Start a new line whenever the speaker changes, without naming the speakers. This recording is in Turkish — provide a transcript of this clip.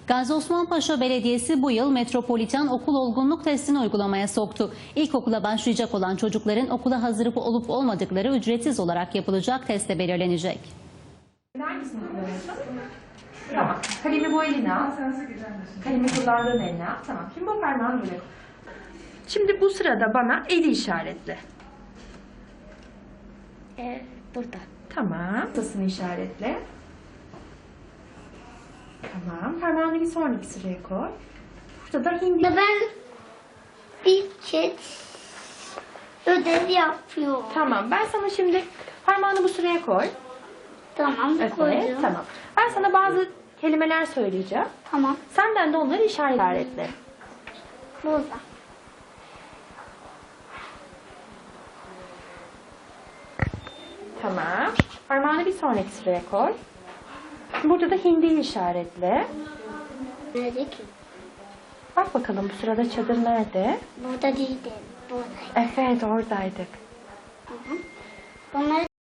Gazi Osman Paşa Belediyesi bu yıl Metropoliten Okul Olgunluk Testini uygulamaya soktu. İlkokula başlayacak olan çocukların okula hazır olup olmadıkları ücretsiz olarak yapılacak testte belirlenecek.
Hangisini kullanıyorsun? Tamam. Kalemi bu eline al. Kalemi kullandığın eline al. Tamam. Şimdi bu parmağını böyle koy. Şimdi bu sırada bana eli işaretle.
Burada.
Tamam. Tasını işaretle. Tamam. Parmağını bir sonraki sıraya koy. Burada da hindi.
Ben bir kez ödev yapıyorum.
Tamam. Ben sana şimdi parmağını bu sıraya koy.
Tamam,
Evet.
koydum.
Tamam. Ben sana bazı kelimeler söyleyeceğim.
Tamam,
Senden de onları işaretle.
burada.
Tamam. Parmağını bir sonraki sıraya koy. Burada da hindiyi işaretle.
Nerede ki?
Bak bakalım bu sırada çadır nerede?
Burada değildi. Buradaydı.
Evet, oradaydık.
Bunları